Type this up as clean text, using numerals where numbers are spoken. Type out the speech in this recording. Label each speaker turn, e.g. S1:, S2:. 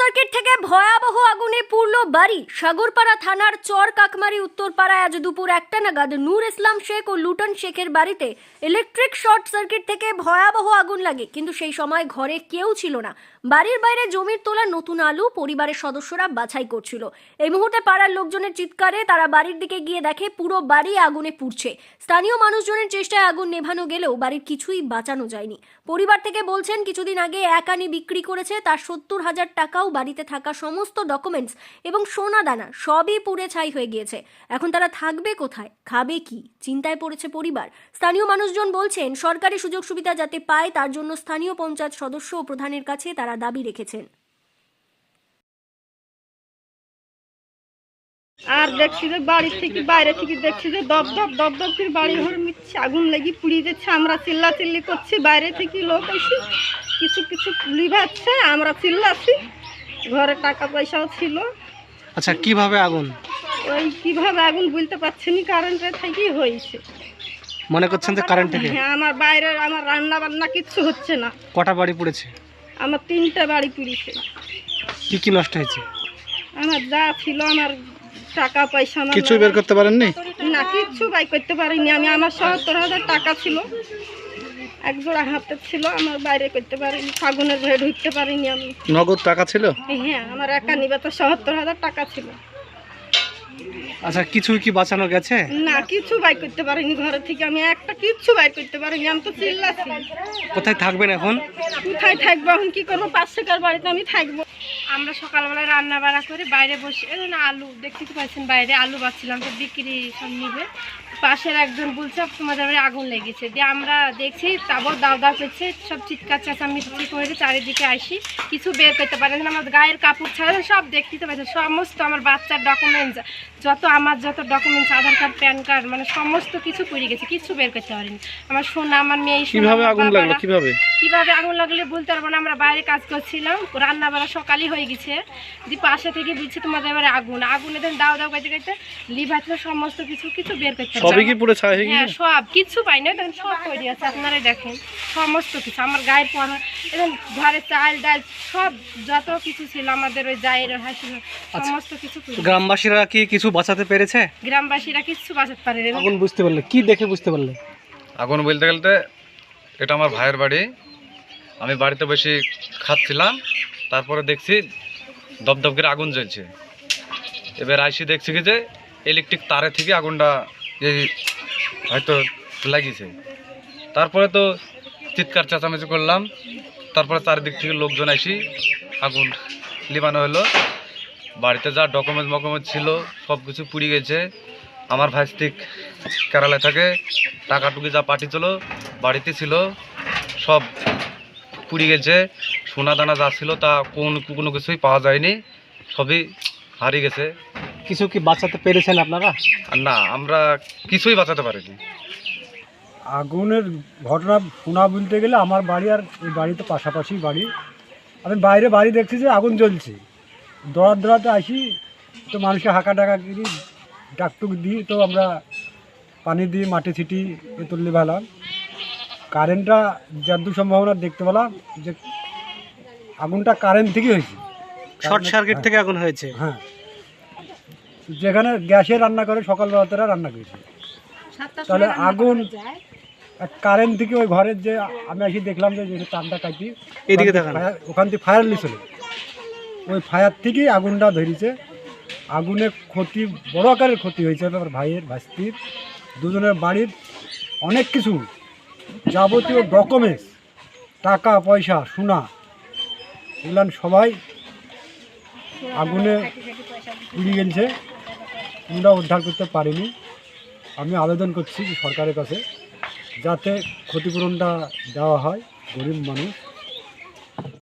S1: Circuit থেকে ভয়াবহ আগুনে পুড়ল বাড়ি। সাগরপাড়া থানার চর কাকমারি উত্তরপাড়ায় আজ দুপুর 1টা নাগাদ নূর ইসলাম শেখ ও লুটন শেখের বাড়িতে ইলেকট্রিক শর্ট সার্কিট থেকে ভয়াবহ আগুন লাগে, কিন্তু সেই সময় ঘরে কেউ ছিল না। বাড়ির বাইরে জমির তোলা নতুন আলু পরিবারের সদস্যরা বাছাই করছিল। এই মুহূর্তে পাড়ার লোকজনের চিৎকারে তারা বাড়ির দিকে গিয়ে দেখে পুরো বাড়ি আগুনে পুড়ছে। স্থানীয় মানুষজনের চেষ্টায় আগুন নেভানো গেলেও বাড়ির কিছুই বাঁচানো যায়নি। পরিবার থেকে বলছেন কিছুদিন আগে এক আনি বিক্রি করেছে, তার 70,000 টাকাও বাড়িতে থাকা সমস্ত ডকুমেন্টস এবং সোনা দানা সবই পুড়ে ছাই হয়ে গিয়েছে। এখন তারা থাকবে কোথায়, খাবে কি, চিন্তায় পড়েছে পরিবার। স্থানীয় মানুষজন বলছেন সরকারি সুযোগ সুবিধা যাতে পায় তার জন্য স্থানীয় পঞ্চায়েত সদস্য ও প্রধানের কাছে তারা দাবি রেখেছেন।
S2: আর দেখছি যে বাড়ি থেকে বাইরে থেকে দেখছি যে দপ দপ দপ দপ করে বাড়ি ঘর মিচ্ছে আগুন লেগে পুড়িয়ে যাচ্ছে। আমরা চিল্লাচিল্লি করছি, বাইরে থেকে লোক এসে কিছু কিছু লিভাচ্ছে, আমরা চিল্লাছি। ঘরে টাকা পয়সাও ছিল।
S3: আচ্ছা, কিভাবে আগুন?
S2: ওই কিভাবে আগুন বলতে পারছি না, কারেন্টের থেকেই হয়েছে।
S3: মনে করছেন যে কারেন্ট থেকে?
S2: হ্যাঁ, আমার বাইরে আমার রান্না বান্না কিচ্ছু হচ্ছে না।
S3: কটা বাড়ি পুড়েছে?
S2: আমার 3টা বাড়ি পুড়িয়েছে।
S3: কি কি নষ্ট হয়েছে?
S2: আমার যা ছিল, আমার টাকা পয়সা, আমার
S3: কিছু বের করতে পারেননি?
S2: না, কিচ্ছু বাই করতে পারিনি আমি। আমার 70,000 টাকা ছিল, এক জোড়া হাতে ছিল, আমার বাইরে করতে পারিনি, ফাগুনের ঘরে ঢুকতে পারিনি আমি।
S3: নগদ টাকা ছিল?
S2: হ্যাঁ, আমার একা নিবে তো 70,000 টাকা ছিল।
S3: আচ্ছা, কিছু কি বাঁচানো গেছে?
S2: না, কিছু বাই করতে পারিনি ঘরে থেকে, আমি একটা কিচ্ছু বাই করতে পারিনি। আমি তো চিল্লাছি।
S3: কোথায় থাকবেন এখন?
S2: কোথায় থাকবো এখন, কি করবো? পাশেকার বাড়িতে আমি থাকবো। আমরা সকালবেলায় রান্না বাড়া করে বাইরে বসে আলু দেখতে তো পাচ্ছেন, বাইরে আলু বাচ্ছিলাম, তো বিক্রি সব নিবে। পাশের একজন বলছে তোমাদের বাড়ি আগুন লেগেছে, দিয়ে আমরা দেখছি তারপর দাও দাও করছে, সব চিৎকার চেঁচামেচি করে চারিদিকে আসি, কিছু বের করতে পারে না। আমার গায়ের কাপড় ছাড়া সব দেখতে তো পাচ্ছেন, সমস্ত আমার বাচ্চার ডকুমেন্টস, যত documents, Aadhaar card, PAN card, মানে সমস্ত কিছু পুড়ে গেছে, কিছু বের করতে পারিনি। আমার সোনা, আমার মেয়ে।
S3: কিভাবে আগুন লাগলো?
S2: কিভাবে আগুন লাগলে বলতে পারবো না। আমরা বাইরে কাজ করছিলাম, রান্না বাড়া সকালই হয়ে গেছে, দিয়ে পাশে থেকে বলছে তোমাদের এবারে আগুন। আগুনে দেন দাও দাও করতে করতে লিভার সমস্ত কিছু কিছু বের করতে পারবো।
S3: সবই কি পুরো ছাই হয়ে গেছে?
S2: হ্যাঁ, সব কিছু পাই না, দেখেন সব তৈরি আছে, আপনারাই দেখেন সমস্ত কিছু। আমার গায়ের পরা, এবং ঘরে চাল ডাল সব যত কিছু ছিল আমাদের, ওই জায়ের হাসি সমস্ত কিছু।
S3: গ্রামবাসীরা কি কিছু বাঁচাতে পেরেছে?
S2: গ্রামবাসীরা কিছু বাঁচাতে পারে না।
S3: আগুন বুঝতে পারলে কি দেখে বুঝতে পারলে?
S4: আগুন বলতে গেলতে এটা আমার ভাইয়ের বাড়ি। আমি বাড়িতে বসে খাচ্ছিলাম, তারপরে দেখছি দপদপ করে আগুন জ্বলছে। এবার আইসি দেখছি কি যে ইলেকট্রিক তারে থেকে আগুনটা এই হয়তো লাগিয়েছে। তারপরে তো চিৎকার চেঁচামেচি করলাম, তারপরে চারিদিক থেকে লোকজন আসি আগুন লিবানো হলো। বাড়িতে যা ডকুমেন্টস ছিল সব কিছু পুড়ে গেছে। আমার ভাইস্তিক কেরালায় থাকে, টাকাটুকি যা পাঠিয়েছিল বাড়িতে ছিল সব পুড়ে গেছে। সোনা দানা যা ছিল তা কোনো কিছুই পাওয়া যায়নি, সবই হারিয়ে গেছে।
S3: কিছু কি বাঁচাতে পেরেছেন আপনারা?
S4: আর না, আমরা কিছুই বাঁচাতে পারিনি।
S5: আগুনের ঘটনা শোনা বলতে গেলে আমার বাড়ি আর এই বাড়ি তো পাশাপাশি বাড়ি। আমি বাইরে বাড়ি দেখছি যে আগুন জ্বলছে, দৌড়াতে আসি, তো মানুষকে হাঁকা ডাকা করি, ডাকটুক দিই, তো আমরা পানি দিয়ে মাটি ছিটি এ তুললে পেলাম। কারেন্টটা যতদূর সম্ভাবনা দেখতে পেলাম যে আগুনটা কারেন্ট থেকে হয়েছে,
S3: শর্ট সার্কিট থেকে আগুন হয়েছে।
S5: হ্যাঁ, যেখানে গ্যাসে রান্না করে সকালবেলাতেরা রান্না করেছে, তাহলে আগুন কারেন্ট থেকে ওই ঘরের যে আমি এসে দেখলাম যে তারটা কাটি
S3: এদিকে দেখান,
S5: ওখান থেকে ফায়ার লিছিল, ওই ফায়ার থেকেই আগুনটা ধরেছে। আগুনে ক্ষতি, বড় আকারের ক্ষতি হয়েছে আমার ভাইয়ের, ভাস্তির, দুজনের বাড়ির অনেক কিছু যাবতীয় ডকুমেন্টস, টাকা পয়সা, সোনা, এগুলো সবাই আগুনে পুড়ে গেছে। আমরা উদ্ধার করতে পারিনি। আমি আবেদন করছি সরকারের কাছে যাতে ক্ষতিপূরণটা দেওয়া হয়, গরিব মানুষ।